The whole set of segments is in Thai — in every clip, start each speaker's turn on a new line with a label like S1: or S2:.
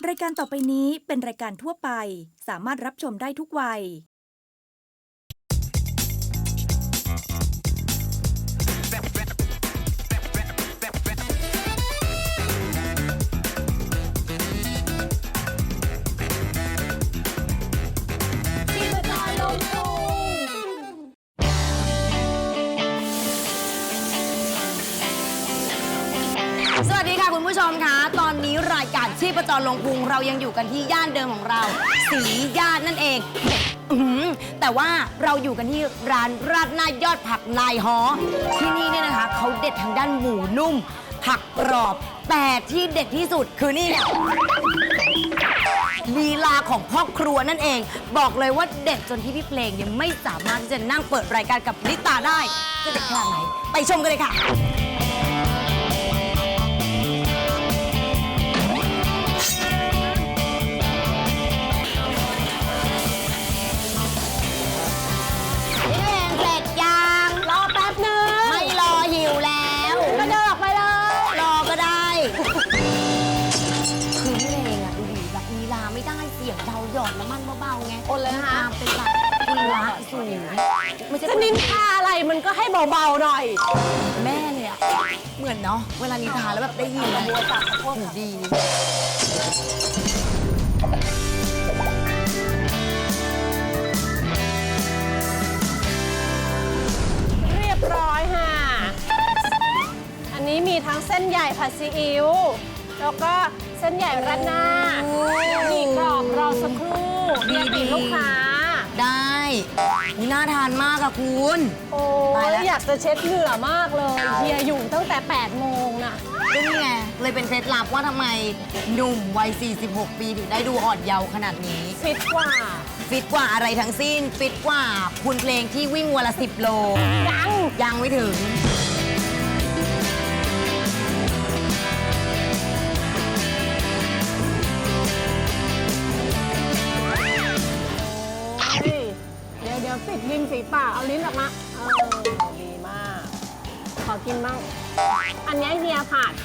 S1: รายการต่อไปนี้เป็นรายการทั่วไปสามารถรับชมได้ทุกวัย
S2: สวัสดีค่ะคุณผู้ชมคะตอนนี้รายการชีพจรลงพุงเรายังอยู่กันที่ย่านเดิมของเราสีย่านนั่นเองแต่ว่าเราอยู่กันที่ร้านราดหน้ายอดผักนายฮอที่นี่เนี่ยนะคะเขาเด็ดทางด้านหมูนุ่มผักกรอบแต่ที่เด็ดที่สุดคือนี่เนี่ยลีลาของพ่อครัวนั่นเองบอกเลยว่าเด็ดจนที่พี่เพลงยังไม่สามารถที่จะนั่งเปิดรายการกับลิตาได้จะเด็ดขนาดไหนไปชมกันเลยค่ะหยอดน้ำมันเบาๆไงคนเลยนะคะเป็นแบบคุณละสูงไม่ใช่จะนินทาอะไรมันก็ให้เบาๆหน่อยแม่เนี่ยเหมือนเนาะเวลานินทาแล้วแบบได้ยินนะบัวปากโคตรดี
S3: เรียบร้อยค่ะอันนี้มีทั้งเส้นใหญ่ผัดซีอิ๊วแล้วก็เส้นใหญ่ราดหน้ามีกรอบรอสักครู่ดีลูกค้า
S2: ได้นี่น่าทานมากอะคุณ
S3: โอ้ยอยากจะเช็ดเหงื่อมากเลยเฮียอยู่ตั้งแต่8 โมงน่ะ
S2: นี่ไงเลยเป็นเคล็ดลับว่าทำไมหนุ่มวัย46 ปีถึงได้ดูอ่อนเยาว์ขนาดนี้
S3: ฟิตกว่า
S2: อะไรทั้งสิ้นฟิตกว่าคุณเพลงที่วิ่งวันละ10 โลยังไม่ถึง
S3: เดี๋ยวปิดริมฝีปากเอาลิ้นออกมาดีมากขอกินบ้างอันนี้เฮียผัด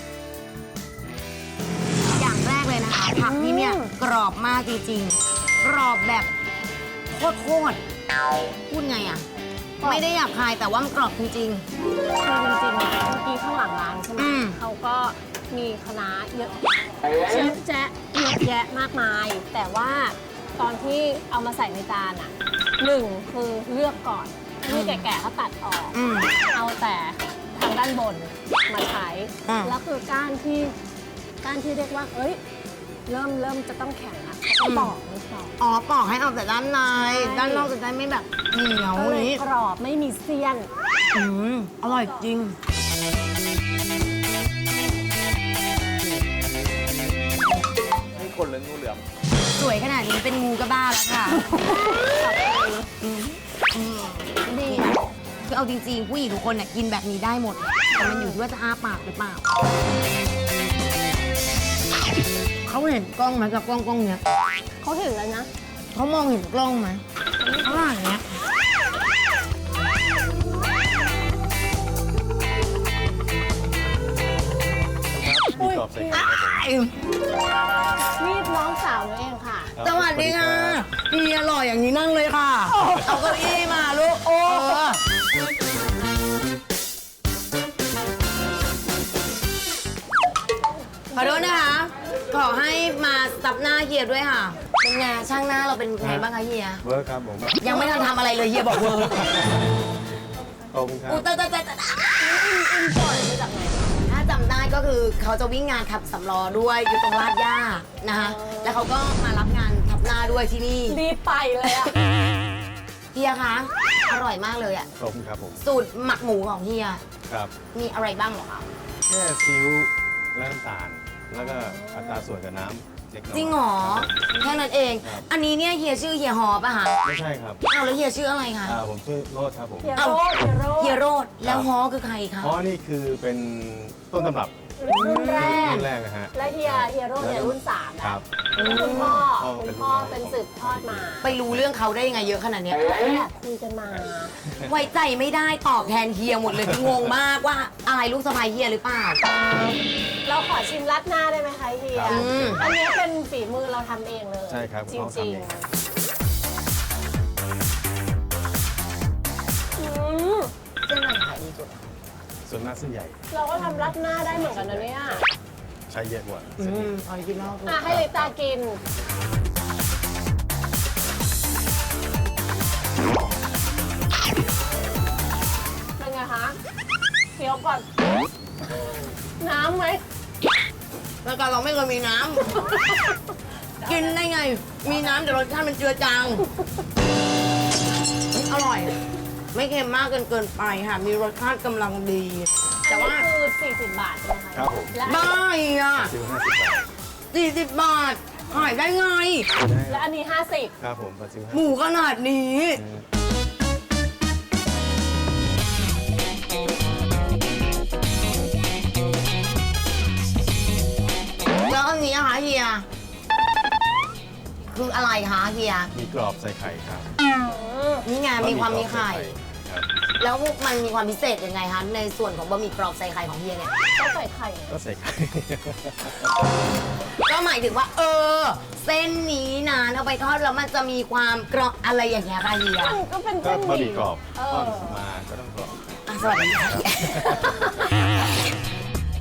S2: อย่างแรกเลยนะคะผักที่เนี่ยกรอบมากจริงๆกรอบแบบโคตรพูดไงอ่ะไม่ได้หยาบคายแต่ว่ามันกรอบจริงๆ
S3: คือจริงๆเมื่อกี้ข้างหลังร้านใช่ไหมเขาก็มีคณะเยอะเยอะแยะมากมายแต่ว่าตอนที่เอามาใส่ในจานอ่ะ1คือเลือกก่อนที่แก่ๆเขาตัดออกเอาแต่ทางด้านบนมาใช้แล้วคือก้านที่เรียกว่าเอ้ยเริ่มจะต้องแข็งแล้วเขาปอก
S2: ปอกให้ออกแต่ด้านในด้านนอกจะได้ไม่แบบเหนียว
S3: นี้กรอบไม่มีเสี้ยน
S2: อร่อยจริง
S4: นี่คนหรืองูเหลือม
S2: สวยขนาดนี้เป็นงูก็บ้าแล้วค่ะนี่คือเอาจริงๆผู้หญิงทุกคนกินแบบนี้ได้หมดแต่มันอยู่ที่ว่าจะอ้าปากหรือเปล่าเขาเห็นกล้องไหมกับกล้องเนี้ย
S3: เขาเห็นแล้วนะ
S2: เขามองเห็นกล้องไหมเขาอย่างเงี้ย
S3: นี่น้องสาวหนูเองค่ะ
S2: สวัสดีค่ะดีอร่อยอย่างนี้นั่งเลยค่ะเอาเก้าอี้มาลูกขอโทษนะคะขอให้มาซับหน้าเฮียด้วยค่ะเป็นไงช่างหน้าเราเป็นไงบ้างคะเฮีย
S4: เวิร์คครับผม
S2: ยังไม่ทันทำอะไรเลยเฮียบอกเวิร์ค
S4: ขอบคุณครับ
S2: แต่
S3: อินพอร์ตมาจากไหน
S2: ถ้าจำได้ก็คือเขาจะวิ่งงานขับสำล้อด้วยอยู่ตรงลาดย่านะคะแล้วเขาก็มารับงานขับหน้าด้วยที่นี่
S3: รีบไปเลยอะ
S2: เฮียคะอร่อยมากเลยอะ
S4: ขอบคุณครับผม
S2: สูตรหมักหมูของเฮีย
S4: ครับ
S2: มีอะไรบ้างหรอคะ
S4: แค่ซีอิ๊วและน้ำตาลแล้วก็อัตราส่วนกับน้ำ
S2: จริงเหรอแค่นั้นเองอันนี้เนี่ยเฮียชื่อเฮียฮอป่ะคะ
S4: ไม่ใช่ครับ
S2: แล้วเฮียชื่ออะไรคะ
S4: ผมชื่อโรดครับผม
S3: เฮียโรด
S2: แล้วฮอคือใครคะ
S4: ฮอนี่คือเป็นต้นตำรับ
S3: รุ่นแรก
S4: รุ่นแรกนะฮะ
S3: และเฮียโร่เนี่ยรุ่น3
S4: ครับ
S3: คุณพ่อ
S4: เป็
S3: คุณ
S4: น
S3: พ่อ
S4: รุ่นน้อง
S3: เป็นสืบทอดมา
S2: ไปรู้เรื่องเขาได้ยังไงเยอะขนาดเนี้ย
S3: แอบคุยกันมา
S2: ไว้ใจไม่ได้ตอบแทนเฮียหมดเลยงงมากว่าอะไรลูกสะใภ้เฮียหรือเปล่า
S3: เราขอชิมรัดหน้าได้ไหมคะเฮีย
S4: ครับ
S3: อันนี้เป็นฝีมือเราทำเองเลย
S4: ใช่ครับ
S3: จ
S4: คุณพ่อ
S3: ริ
S4: ทำ
S3: ง
S4: เอง
S3: ๆอืม
S2: เส้นไหนขายดีสุด
S4: ส่วนมากเส้นใหญ่
S3: เราก็ทำรัดหน้าได้เหมือนกันนะเนี่ย
S4: ใช้เยอะกว่า
S2: อ
S4: เส้นนี้
S2: อริจินอล
S3: ให้ลิตากิน เป็นไงคะเคี้ยวก่อน น้ำไหม
S2: แล้วก็เราไม่เคยมีน้ำ กินได้ไง มีน้ำแต่รสชาติมันเจือจางอร่อย ไม่เค็มมากเกินไปค่ะ มีรสชาติกำลังดี แต่ว่า
S3: อันนี้คือ40 บาทใช่ไหมคะ
S4: ครับผม
S3: และ
S2: บ้าอ่ะ
S4: ซื้อ50 บาท
S2: 40 บาท ขายได้ไง
S3: และอันนี้ 50
S4: ครับผมปัจจุบัน
S2: หมูขนาดนี้ แล้วอันนี้อะคะเฮีย คืออะไรคะเฮีย
S4: มีกรอบใส่ไข่ครับ
S2: นี่ไงมีความมีไข่
S4: ครับ
S2: แล้วมันมีความพิเศษยังไงคะ ในส่วนของบะหมี่กรอบใส่ไข่ของเฮียเนี่ย
S3: ก็ใส่ไข่
S4: ก็ใส่ไข่
S2: ก็หมายถึงว่า เส้นนี้นะเอาไปทอดแล้วมันจะมีความกรอบอะไรอย่างเงี้ยค่ะเฮีย
S3: มันก็เป็น
S4: ก็
S3: เส้นห
S4: บะห
S3: มี่
S4: มี่กรอบ
S3: เอ
S4: ทอ
S3: อ
S4: ดมาก็ต้องกรอบ
S2: อ่ะสวัสดีค่ะเฮีย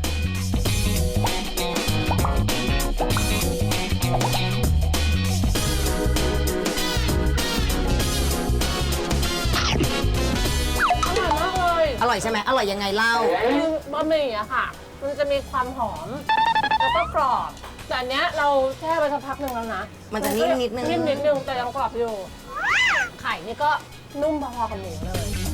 S3: อร่อยมากเลย
S2: อร่อยใช่ไหมอร่อยยังไงเล่า
S3: คือบะหมี่อะค่ะ มันจะมีความหอม แล้วก็กรอบ แต่อันเนี้ยเราแช่ไปสักพักหนึ่งแล้วนะ
S2: มันจะนิ่มนิดนึง
S3: นิ่มนิดนึงแต่ยังกรอบอยู่ ไข่นี่ก็นุ่มพอๆกับหมูเลย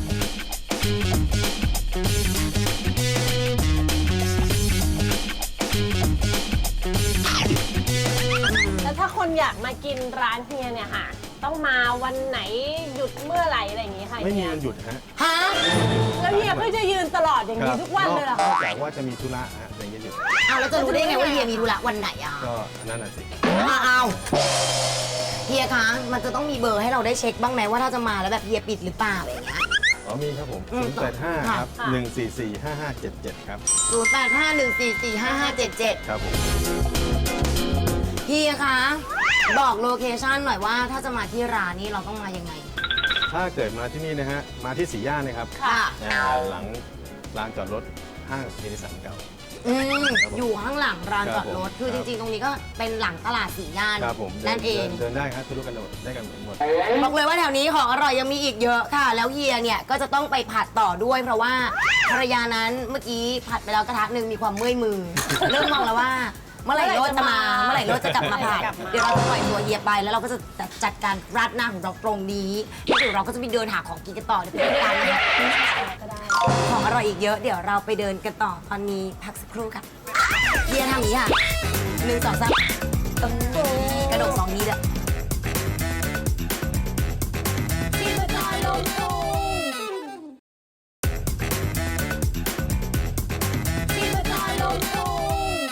S3: แล้วถ้าคนอยากมากินร้านเฮียเนี่ยค่ะ ต้องมาวันไหนหยุดเมื่อไหร่อะไรอย่างงี้ค่ะ
S4: ไม่มี
S3: เฮีย
S4: วันหยุดฮะ
S2: ฮะ
S3: แล้วเฮียก็จะยืนตลอดอย่างนี้ทุกวันเลยเหรอ
S4: น
S3: คะ
S4: อกจากว่าจะมีธุระฮะอย่างเงี้ยหยุด
S2: เอาแล้วจะรู้ได้ไงว่าเฮียมีธุระวันไหนอะ
S4: ก็นั่นน่ะสิ
S2: เอาเฮียคะมันจะต้องมีเบอร์ให้เราได้เช็คบ้างไหมว่าถ้าจะมาแล้วแบบเฮียปิดหรือเปล่าอะไรอย่างเงี้ย
S4: อ๋อมีครับผม
S2: อืม
S4: 085 ครับ
S3: ค่ะ
S4: 1445577 ครับ
S2: 0851445577
S4: ครับผม
S2: เฮียคะบอกโลเคชั่นหน่อยว่าถ้าจะมาที่ร้านนี้เราต้องมายังไง
S4: ถ้าเกิดมาที่นี่นะฮะ มาที่สีย่านนะครับ
S2: ค่ะ
S4: หลังลานจอดรถห้างเฮนิสันเก่า
S2: อยู่ข้างหลังร้านจอดรถ
S4: ครับผม
S2: คือจริงๆ ตรงนี้ก็เป็นหลังตลาดสี่ย่าน
S4: ครับผม
S2: นั่นเอง
S4: เดินได้ครับทะลุกันหมดได้กันหมด
S2: บอกเลยว่าแถวนี้ของอร่อยยังมีอีกเยอะค่ะ แล้วเฮียเนี่ยก็จะต้องไปผัดต่อด้วย เพราะว่าภรรยานั้นเมื่อกี้ผัดไปแล้วกระทะหนึ่งมีความเมื่อยมือ เริ่มมองแล้วว่า เมื่อไหร่โรสจะมา เมื่อไหร่โรสจะกลับมาผัดเดี๋ยวเราจะปล่อยตัวเฮียไปแล้วเราก็จะจัดการราดหน้าของเราตรงนี้แล้วเดี๋ยวเราก็จะไปเดินหาของกินกันต่อเดี๋ยวไปด้วยกันนะคะ
S3: ก็ได้
S2: ของอร่อยอีกเยอะเดี๋ยวเราไปเดินกันต่อตอนนี้พักสักครู่ค่ะเฮียทำอย่างนี้ค่ะ1 2 3กระโดด2นี้เลย
S3: ที่กระจายลงพุงที่กระจายลงพุง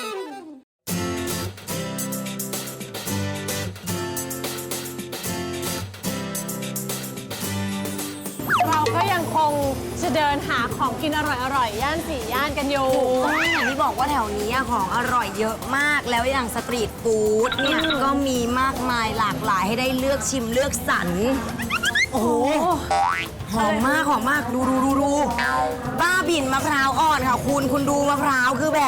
S3: เราก็ยังคงจะเดินหาของกินอร่อยๆ ย่านสี่ย่านกันอยู่
S2: อย่างที่บอกว่าแถวนี้ของอร่อยเยอะมากแล้วอย่างสตรีทฟู้ดเนี่ยก็มีมากมายหลากหลายให้ได้เลือกชิมเลือกสรรโอ้โหหอมมากหอมมากดูบ้าบิ่นมะพร้าวอ่อนค่ะคุณดูมะพร้าวคือแบบ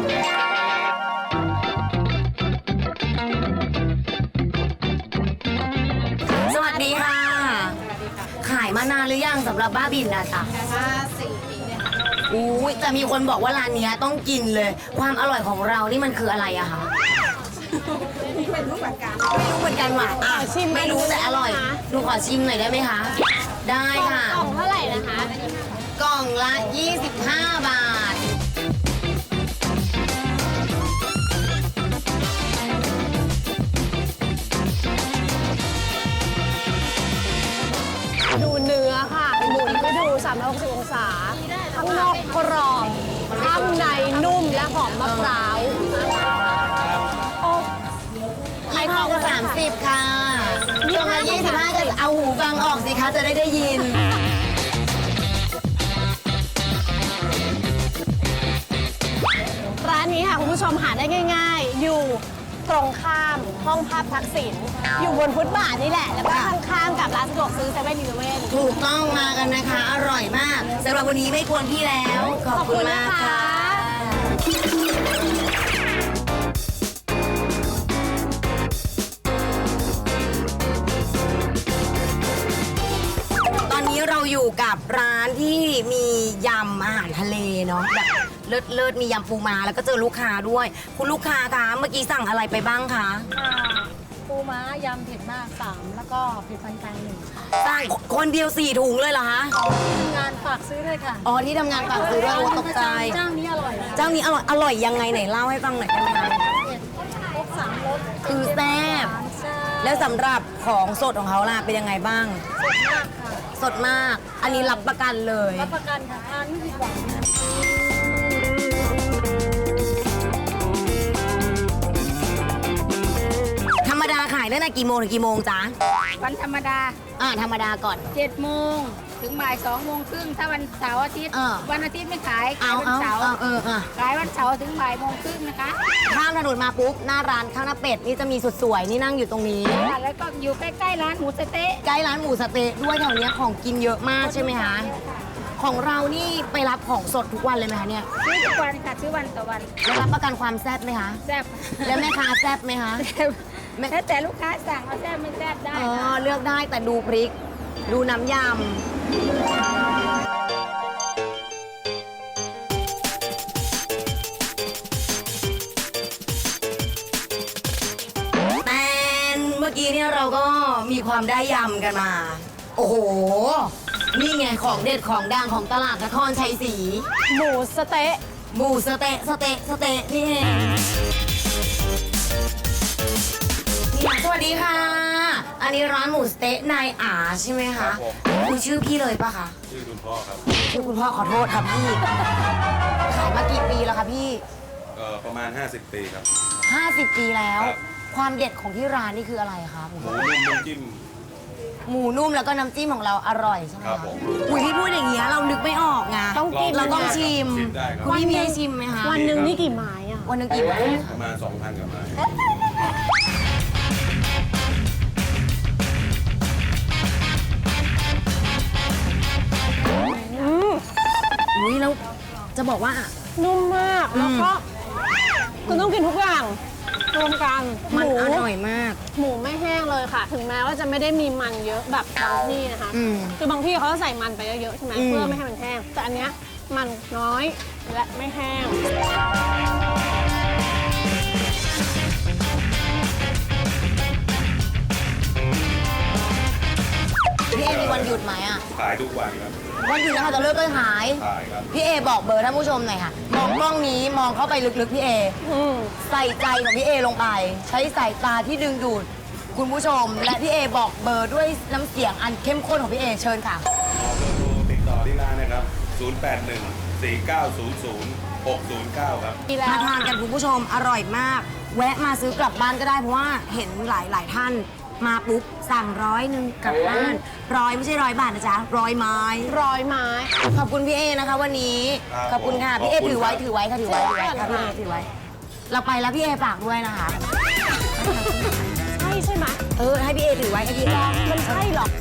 S2: สวัสดีค่ะ ขายมานานหรือยังสำหรับบ้าบินนะจ๊ะ4 ปีเนี่ยค่ะอุ้ยแต่มีคนบอกว่าร้านเนี้ยต้องกินเลย ความอร่อยของเรานี่มันคืออะไรอะคะไม่รู้เหมือนกันหว่ะอ่ะ
S3: ชิม
S2: ไม่รู้แต่อร่อย
S3: นะคะ
S2: หนูขอชิมหน่อยได้ไหมคะ ได้ค่ะ
S3: กล่องเท่าไหร่นะคะ
S2: กล่องละ 25 บาท
S3: ดูเนื้อค่ะหมุนให้ดู360 องศา ข้างนอกกรอบข้างในนุ่มและหอม
S2: 50 ค่ะกล่องละ25ก็เอาหูฟังออกสิคะ จะได้ยิน
S3: ร้านนี้ค่ะคุณผู้ชมหาได้ง่าย ๆ อยู่ตรงข้ามห้องภาพทักษิณอยู่บนฟุตบาทนี่แหละ แล้วก็ข้างๆกับร้านสะดวกซื้อ7-11
S2: ถูกต้องมากันนะคะ อร่อยมากสำหรับวันนี้ไม่ควรพี่แล้ว ขอบคุณมากค่ะ ตอนนี้เราอยู่กับร้านที่มียำอาหารทะเลเนาะแบบเลิศมียำปูม้าแล้วก็เจอลูกค้าด้วย คุณลูกค้าคะเมื่อกี้สั่งอะไรไปบ้างคะ
S3: ปูม้ายำเผ็ดมาก 3 แล้วก็เผ็ดปานกลาง1ค่ะ
S2: สั่งคนเดียว4 ถุงเลยเหรอคะ
S3: ทำงานฝากซื้อเลยค่ะ
S2: อ๋อที่ทำงานฝากซื้อด้วยโอ้ตกใจ
S3: เจ้านี้อร่อยนะ
S2: เจ้านี้อร่อยยังไงไหนเล่าให้ฟังหน่อยได้ไหมคะ
S3: พวก3รส
S2: คือแซ่บ
S3: ใช่
S2: แล้วสำหรับของสดของเขาล่ะเป็นยังไงบ้าง
S3: สดมากค่ะ
S2: สดมาก อันนี้รับประกันเลย
S3: รับประกันค่ะทานไม่ผิดหวังนะ
S2: ธรรมดาขายตั้งแต่กี่โมงถึงกี่โมงจ๊ะ
S5: วันธรรมดา
S2: ธรรมดาก่อน
S5: 7 โมงถึงบ่าย2 โมงครึ่งถ้าวันเสาร์อาทิตย์ วันอาทิตย์ไม่ขาย
S2: เอา
S5: วันเสาร์
S2: ๆ
S5: ขายวันเสาร์ถึงบ่ายโมงครึ่งนะคะ
S2: ข้ามถนนมาปุ๊บหน้าร้านข้าวหน้าเป็ดนี่จะมีสุดสวยนี่นั่งอยู่ตรงนี้
S5: แล้วก็อยู่ใกล้ๆร้านหมูสะเต๊ะ
S2: ใกล้ร้านหมูสะเต๊ะด้วยแถวเนี้ยของกินเยอะมากใช่ไหมคะ ของเรานี่ไปรับของสดทุกวันเลยไหมคะเนี่ย
S5: ซื้อทุกวันค่ะซื้อวันต่อวัน
S2: แล้วรับประกันความแซ่บไหมคะ
S5: แซ่บ
S2: แล้วแม่ค้าแซ่บไหมคะ
S5: แล้วแต่ลูกค้าสั่งเอาแซ่บไม่แซ่บได้
S2: อ๋อ
S5: ค่ะ
S2: เลือกได้แต่ดูพริก ดูน้ำยำแต่เมื่อกี้เนี่ยเราก็มีความได้ยำกันมา โอ้โห นี่ไงของเด็ดของดังของตลาดนครชัยศรี
S3: หมูสะเต๊ะ
S2: หมูสะเต๊ะนี่เองนี่สวัสดีค่ะ อันนี้ร้านหมูสะเต๊ะนายอาใช่ไหมคะ คือชื่อพี่เลยปะคะ
S4: ชื่อคุณพ่อครับ
S2: ชื่อคุณพ่อขอโทษครับพี่ ขายมากี่ปีแล้วคะพี่
S4: ประมาณ 50 ปีครับ
S2: 50 ปีแล้ว
S4: ครับ
S2: ความเด็ดของที่ร้านนี่คืออะไรคะหมู
S4: หมูนุ่มน้ำจิ้ม
S2: หมูนุ่มแล้วก็น้ำจิ้มของเราอร่อยใช่ไหม
S4: ครั
S2: คะ
S4: บผม
S2: อุ้ยพี่พูดอย่างเงี้ยเรานึกไม่ออกไง
S3: ต้องกิน
S2: เราต้องชิม
S4: ชิมได้ครับ
S2: คุณพี่มีให้ชิมไหมคะ
S3: วันหนึ่งนี่กี่ไม้อ่ะ
S2: วันหนึงกี่ไม้
S4: ประมาณ 2,000กับไม้
S2: อุ้ยแล้วจะบอกว่า
S3: นุ่มมาก แล้วก็คุณต้องกินทุกอย่างรวมกันห
S2: มัน
S3: มู
S2: อร่อยมาก
S3: หมูไม่แห้งเลยค่ะ ถึงแม้ว่าจะไม่ได้มีมันเยอะแบบบางที่นะคะ
S2: อืม
S3: คือบางที่เขาจะใส่มันไปเยอะๆใช่ไหม
S2: อืม
S3: เพื่อไม่ให้มันแห้ง แต่อันเนี้ยมันน้อยและไม่แห้ง
S2: พี่เอมีวันหยุดไหมอ่ะ
S4: ขายทุกวันครับ
S2: วันหยุดนะคะจะเลิกก็ขาย
S4: ขายครับ
S2: พี่เอบอกเบอร์ท่านผู้ชมหน่อยค่ะ มองกล้องนี้มองเข้าไปลึกๆพี่เอ
S3: อืม
S2: ใส่ใจของพี่เอลงไป ใช้สายตาที่ดึงดูดคุณผู้ชม และพี่เอบอกเบอร์ด้วยน้ำเสียงอันเข้มข้นของพี่เอเชิญค่ะ
S4: ขอเบอร์โทรติดต่อที่ร้านนะครับ 081-4900-609 ครับ
S3: ดีแล้
S2: มาว ทานกันคุณผู้ชมอร่อยมาก แวะมาซื้อกลับบ้านก็ได้เพราะว่าเห็นหลายท่านมาปุ๊บสั่ง100กลับบ้านไม่ใช่100 บาทนะจ๊ะ100 ไม้
S3: ร้อยไม้
S2: ขอบคุณพี่เอนะคะวันนี้
S4: ครับ
S2: ขอบคุณค่ะ
S4: ผม
S2: พี่เอ
S4: ขอบคุณ
S2: ถือไว้
S4: ครับ
S2: ถือไว้ค่ะถือไว้ถือไว้ค่ะพี่เอถือไว้ เราไปแล้วพี่เอฝากด้วยนะคะ
S3: ใช่ไหม
S2: ให้พี่เอถือไว้ให้พี่เอ
S3: มันใช่เหรอ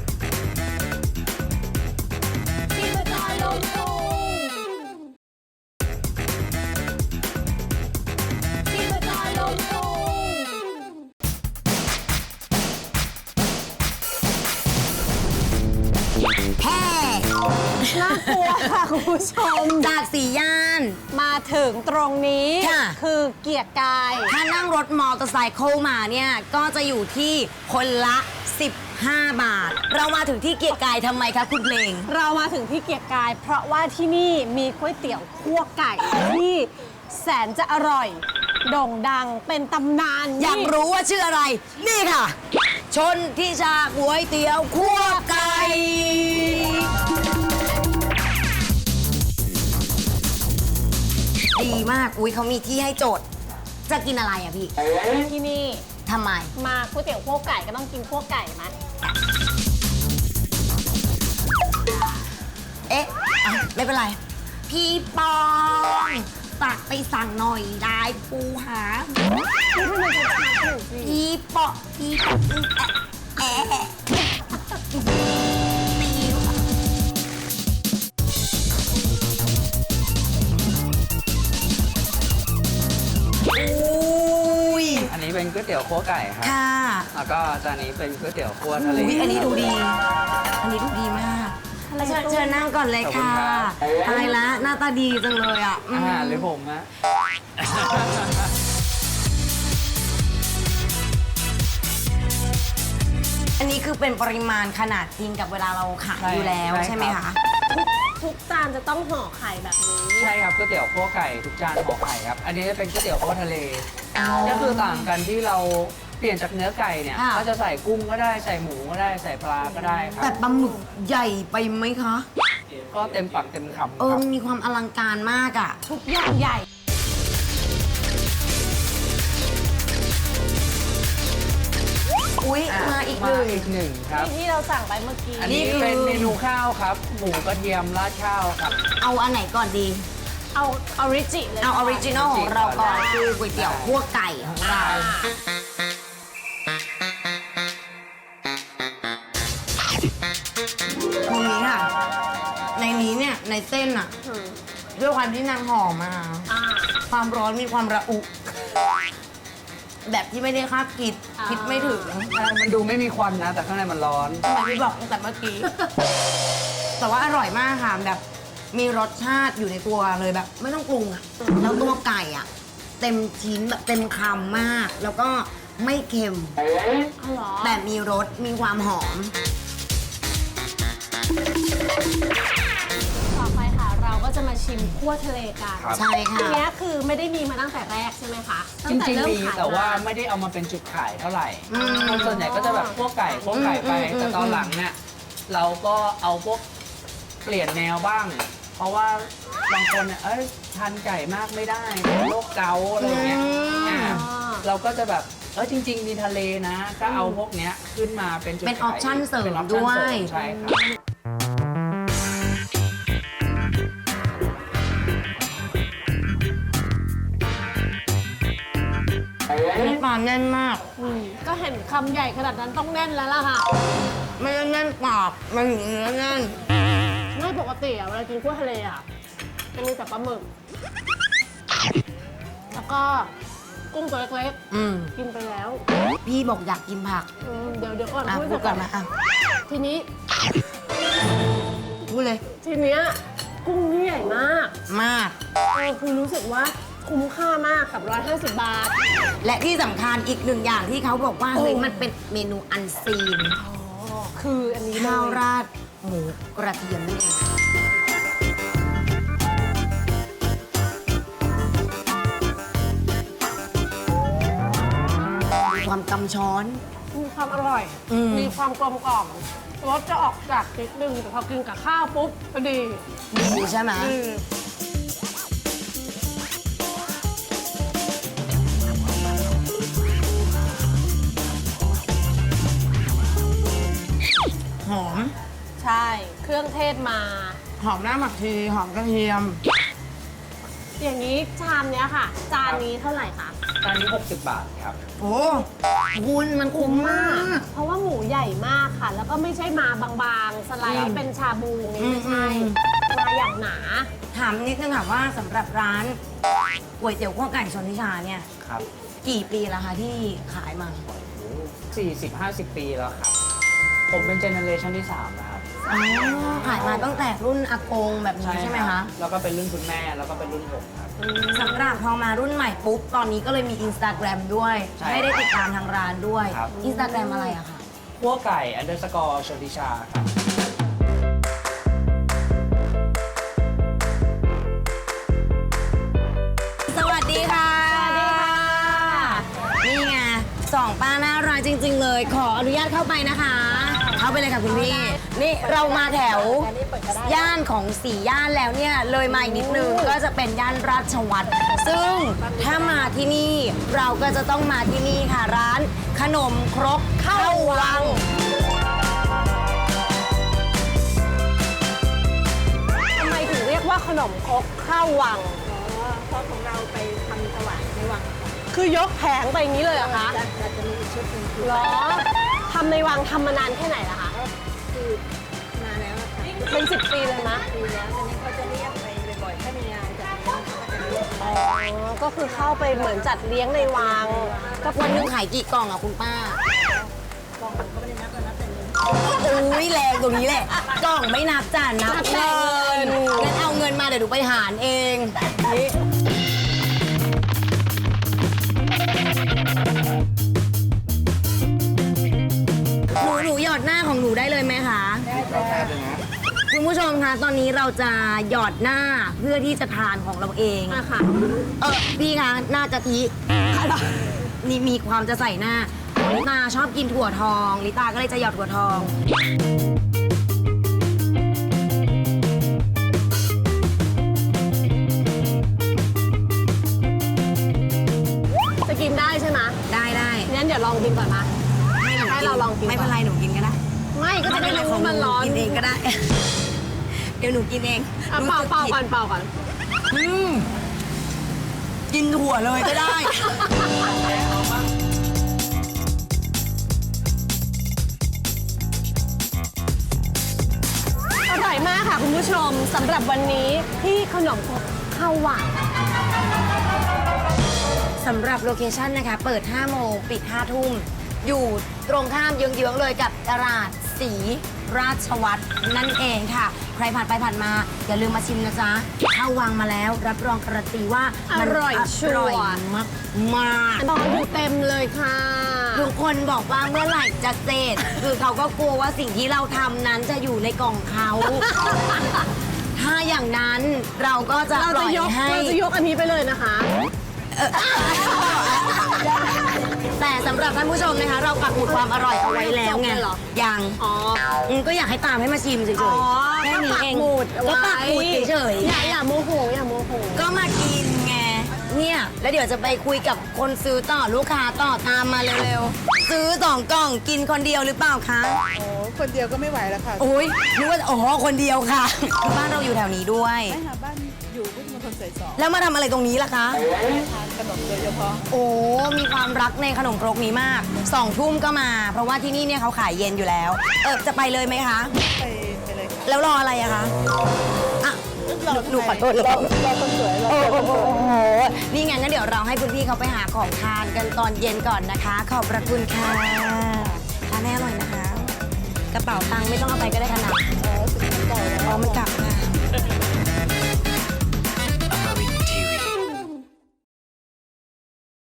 S2: แฮ่
S3: น่ากลัวค่ะคุณผู้ชม
S2: จากสี่ย่าน
S3: มาถึงตรงนี้
S2: ค่ะ
S3: คือเกียรติกาย
S2: ถ้านั่งรถมอเตอร์ไซค์มาเนี่ยก็จะอยู่ที่คนละ 15 บาท เรามาถึงที่เกียรติกายทำไมคะคุณเพลง
S3: เรามาถึงที่เกียรติกาย เพราะว่าที่นี่มีก๋วยเตี๋ยวคั่วไก่ที่แสนจะอร่อย โด่งดังเป็นตำนาน
S2: อยากรู้ว่าชื่ออะไร นี่ค่ะ ชนทิชาก๋วยเตี๋ยวคั่วไก่ ดีมาก อุ้ยเขามีที่ให้โจทย์ จะกินอะไรอะพี่
S3: ที่นี่
S2: ทำไม
S3: มาก๋วยเตี๋ยวคั่วไก่ก็ต้องกินคั่วไก่ไหม
S2: เอ๊ะอ่ะไม่เป็นไร พี่ปองตักไปสั่งหน่อยได้ปูหา
S3: พี่ให้มันชัดๆหน่อยสิ
S2: พี่ปองแอะแอะปิว อุ้ย
S6: อันนี้เป็นก๋วยเตี๋ยวคั่วไก่ครับ
S2: ค่ะ
S6: แล้วก็จานนี้เป็นก๋วยเตี๋ยวคั่วทะเล
S2: อุ้ยอันนี้ดูดี อันนี้ดูดีมากเชิญนั่งก่อนเลยค่ะ
S6: ขอบคุณครับ
S2: ตายละหน้าตาดีจังเลยอ่ะ
S6: อาหารหรือผมฮะ
S2: อันนี้คือเป็นปริมาณขนาดจริงกับเวลาเราขายอยู่แล้วใช่ไหมคะ
S3: ทุกจานจะต้องห่อไข่แบบนี้
S6: ใช่ครับก๋วยเตี๋ยวคั่วไก่ทุกจานห่อไข่ครับ อันนี้เป็นก๋วยเตี๋ยวคั่วทะเล ก็คือต่างกันที่เราเปลี่ยนจากเนื้อไก่เนี่ย
S2: ค่ะ
S6: ก็จะใส่กุ้งก็ได้ใส่หมูก็ได้ใส่ปลาก็ได้ครั
S2: แต่
S6: บ
S2: ปลาหมึกใหญ่ไปไหมคะ
S6: ก็เต็มปากเต็มคำ
S2: เอ
S6: ค
S2: อ
S6: รับ
S2: มีความอลังการมากอ่ะ
S3: ทุกอย่างใหญ่
S2: อุ๊ย มาอีกหนึ่ง
S6: อีกหนึ่งครับ
S3: ที่เราสั่งไปเมื่อกี้
S6: อันนี้
S2: นี่คือ
S6: เป็นเมนูข้าวครับ หมูกระเทียมราดข้าวครับ
S2: เอาอันไหนก่อนดี
S3: เอาออริจิเลย
S2: เอาออริจินอลของเราก่อน
S6: ได้
S2: คือก๋วยเตี๋ยวคั่วไก่ของเรา ตรงนี้ค่ะ ในนี้เนี่ย ในเส้นอะ
S3: อืม
S2: ด้วยความที่นางห่อมา
S3: อ่า
S2: ความร้อนมีความระอุ แบบที่ไม่ได้คาดคิด
S3: อ่า
S2: คิดไม่ถึง
S6: มันดูไม่มีควันนะ แต่ข้างในมันร้อน
S2: ทำไมไม่บอกตั้งแต่เมื่อกี้ แต่ว่าอร่อยมากค่ะแบบมีรสชาติอยู่ในตัวเลยแบบ ไม่ต้องปรุงอะแล้วตัวไก่อะเต็มชิ้นแบบเต็มคำมาก แล้วก็ไม่เค็ม
S3: อ๋อเหรอ
S2: แต่มีรสมีความหอม
S3: ต่อไปค่ะ เราก็จะมาชิมคั่วทะเลกัน
S6: ครับ
S2: ใช่ค่ะ
S3: อันเนี้ยคือไม่ได้มีมาตั้งแต่แรกใช่ไหมคะ
S6: จ
S3: ตั้แต่
S6: ริง
S3: เริ่
S6: ๆมี
S3: ขย
S6: แต่ว่าไม่ได้เอามาเป็นจุดขายเท่าไหร่
S2: อืม
S6: คนส่วนใหญ่ก็จะแบบพวกไก่ไป แต่ตอนหลังเนี่ยเราก็เอาพวกเปลี่ยนแนวบ้าง เพราะว่าบางคนเนี่ยทานไก่มากไม่ได้เป็นโรคเกาต์อะไรเงี้ยอ่าเราก็จะแบบจริง ๆ มีทะเลนะ ก็เอาพวกเนี้ยขึ้นมาเป็นจุด
S2: เป็น
S6: ขาย
S2: option เสริม
S6: ป็น option
S2: ด้วย
S6: เสริมใช่ครับ
S2: มีปลาแน่นมาก
S3: อืมก็เห็นคำใหญ่ขนาดนั้นต้องแน่นแล้วล่ะค่ะ
S2: ไม่ได้แน่นปากมันอยู่เนื้อแน่น
S3: ไม่ปกติอะเวลากินคั่วทะเลอะจะมีแต่ปลาหมึก แล้วก็กุ้งตัวเล็ก
S2: อืม
S3: ๆ กินไปแล้ว
S2: พี่บอกอยากกินผัก
S3: เดี๋ยวก่อน
S2: อ่ะ
S3: พูด
S2: พูดก่อนนะอ่ะ
S3: ทีนี้
S2: พูดเลย
S3: ทีเนี้ยกุ้งนี่ใหญ่มาก
S2: มาก
S3: คือรู้สึกว่าคุ้มค่ามากกับ 150 บาท
S2: และที่สำคัญอีกหนึ่งอย่างที่เขาบอกว่าเฮ้ยมันเป็นเมนูอันซีน
S3: คืออันนี้เล
S2: ข้าวย ราดหมูกระเทียมนี่เองมีความกำช้อน
S3: มีความอร่อย
S2: อืม
S3: มีความกลมกล่อมรสจะออกจากนิดนึงแต่พอกินกับข้าวปุ๊บก็ดี
S2: ดีใช่ไหม
S3: อืม
S2: หอม
S3: ใช่ เครื่องเทศมา
S2: หอมหน้าหมักชีหอมกระเทียม
S3: อย่างนี้ชามเนี้ยค่ะ จานนี้เท่าไหร่คะ
S6: จานนี้ 60 บาทครับ
S2: โอ้คุณมันคุ้มมาก
S3: เพราะว่าหมูใหญ่มากค่ะ แล้วก็ไม่ใช่มาบางๆ สไลด์เป็นชาบูนี่ไม่ใช่ มาอย่างหนา
S2: ถามนิดนึงค่ะว่าสำหรับร้านก๋วยเตี๋ยวขั้วไก่ชนทิชาเนี่ย
S6: ครับ
S2: กี่ปีแล้วคะที่ขายมา
S6: 40-50 ปีแล้วครับ ผมเป็นเจเนอเรชันที่ 3 นะครับ
S2: อ๋อขายมาตั้งแต่รุ่นอากงแบบนี้ใช่ไหม
S6: รั
S2: คะ
S6: บแล้วก็เป็นรุ่นคุณแม่ แล้วก็เป็นรุ่นผมครับ
S2: สำหรับพอมารุ่นใหม่ปุ๊บ ตอนนี้ก็เลยมี Instagram ด้วย
S6: ใช่
S2: ให้ได้ติดตามทางร้านด้วย
S6: ครับ
S2: Instagram อะไรอะคะ
S6: คั่วไก่ _ ชนทิชาครับ
S2: สวัสดีค่ะ สวัสดีค่ะ นี่ไงสองป้าน่ารักจริง ๆ เลย ขออนุญาตเข้าไปนะคะ เข้าไปเลยค่ะคุณพี่ นี่เรามาแถวย่านของ4 ย่านแล้วเนี่ย เลยมาอีกนิดนึงก็จะเป็นย่านราชวัตรซึ่งซึ่งถ้ามาที่นี่เราก็จะต้องมาที่นี่ค่ะ ร้านขนมครกเข้าวัง
S3: ทำไมถึงเรียกว่าขนมครกข้าววัง
S5: เพราะของเราไปทำถวายในวัง
S3: คือยกแผงไปอย่างนี้เลยเหรอคะ
S5: เราจะมีอีกชุดหนึ่งคือ
S3: เหรอทำในวังทำมานานแค่ไหนล่ะคะ
S5: คือนานแล้วอะค่ะ
S3: เป็น10 ปีเลยนะ
S5: ปีแล้วตอนนี้เขาจะเรียกไปบ่อยๆถ้ามีงานจัดงานเขาก็จะเรียกไป
S3: อ๋อ ก็คือเข้าไปเหมือนจัดเลี้ยงในวัง
S2: กับวันหนึงขายกี่กล่องอะคุณป้าก
S5: ล่องก็ไม่ได้นับแล้วนับแต่เงิน
S2: อุ้ยแรงตรงนี้แหละ กล่องไม่นับจ้ะนับเงินงั้นเอาเงินมาเดี๋ยวหนูไปหารเองหนูหยอดหน้าของหนูได้เลยไหมคะ คุณผู้ชมคะตอนนี้เราจะหยอดหน้าเพื่อที่จะทานของเราเอง
S3: อ่ะค่ะ
S2: พี่คะหน้ากะทินี่มีความจะใส่หน้าลิตาชอบกินถั่วทองลิตาก็เลยจะหยอดถั่วทอง
S3: จะกินได้ใช่ไหม
S2: ได้ได้
S3: งั้นเดี๋ยวลองกินก่อนนะ ให้เราลองกิน
S2: ไม่เป็นไรหนูกินก็ได้
S3: ไม่ก็จะได้รู้ว่ามันร้อน
S2: กินเองก็ได้ เดี๋ยวหนูกินเอง
S3: อ่ะเป่าก่อนเป่าก่อน
S2: อืมกินถั่วเลยก็ได้
S3: อร่อยมากค่ะคุณผู้ชมสำหรับวันนี้ที่ขนมครกข้าววัง
S2: สำหรับโลเคชั่นนะคะ เปิด 5 โมง ปิด 5 ทุ่ม อยู่ตรงข้ามเยื้องๆเลยกับตลาดศรีราชวัตรนั่นเองค่ะ ใครผ่านไปผ่านมา อย่าลืมมาชิมนะจ๊ะเข้าวังมาแล้ว รับรองการันตีว่ามัน
S3: อร่อยชัวร์
S2: อร่อยมาก
S3: ตอนอยู่เต็มเลยค่ะ
S2: ทุกคนบอกว่าเมื่อไหร่จะเสร็จ คือเขาก็กลัวว่าสิ่งที่เราทำนั้นจะอยู่ในกล่องเขา ถ้าอย่างนั้นเราก็จะ
S3: เรา
S2: ปล่
S3: จะ
S2: อย
S3: ยก
S2: ให้
S3: เราจะยกอันนี้ไปเลยนะคะ
S2: แต่สำหรับท่านผู้ชมนะคะ เราปักหมุดความอร่อยเอาไว้แล้วไง
S3: จบเลยเหรอ
S2: ยัง
S3: อ๋อ
S2: ก็อยากให้ตามให้มาชิมเฉย
S3: อ๋อ
S2: ๆแค่นี้เอง
S3: ปักหมุด
S2: ก็ปักหมุดเฉย
S3: อย่าโมโหอย่าโมโห
S2: ๆก็มากินไงเนี่ยแล้วเดี๋ยวจะไปคุยกับคนซื้อต่อลูกค้าต่อตามมาเร็วๆซื้อ2 กล่องกินคนเดียวหรือเปล่าคะ
S5: โอ้คนเดียวก็ไม่ไหวแล้วค่ะ
S2: โอ้ยนึกว่าอ๋อคนเดียวค่ะคือบ้านเราอยู่แถวนี้ด้วย
S5: ไม่ค่ะบ้านอยู่พุทธมณฑลสายสอง
S2: แล้วมาทำอะไรตรงนี้ล่ะคะ
S5: ทานขนมโดยเฉพาะ
S2: โอ้ มีความรักในขนมครกนี้มาก 2 ทุ่มก็มา เพราะว่าที่นี่เนี่ยเขาขายเย็นอยู่แล้ว จะไปเลยไหมคะ
S5: ไปเลยค่ะ
S2: แล้วรออะไรอะคะอ่ะหนูขอโทษ
S5: รอคนสวยรอ
S2: โอ้โหนี่งั้นเดี๋ยวเราให้คุณพี่เขาไปหาของทานกันตอนเย็นก่อนนะคะ ขอบพระคุณค่ะทานให้อร่อยนะคะ กระเป๋าตังค์ไม่ต้องเอาไปก็ได้ค่ะนะอ๋อมันกลับค่ะ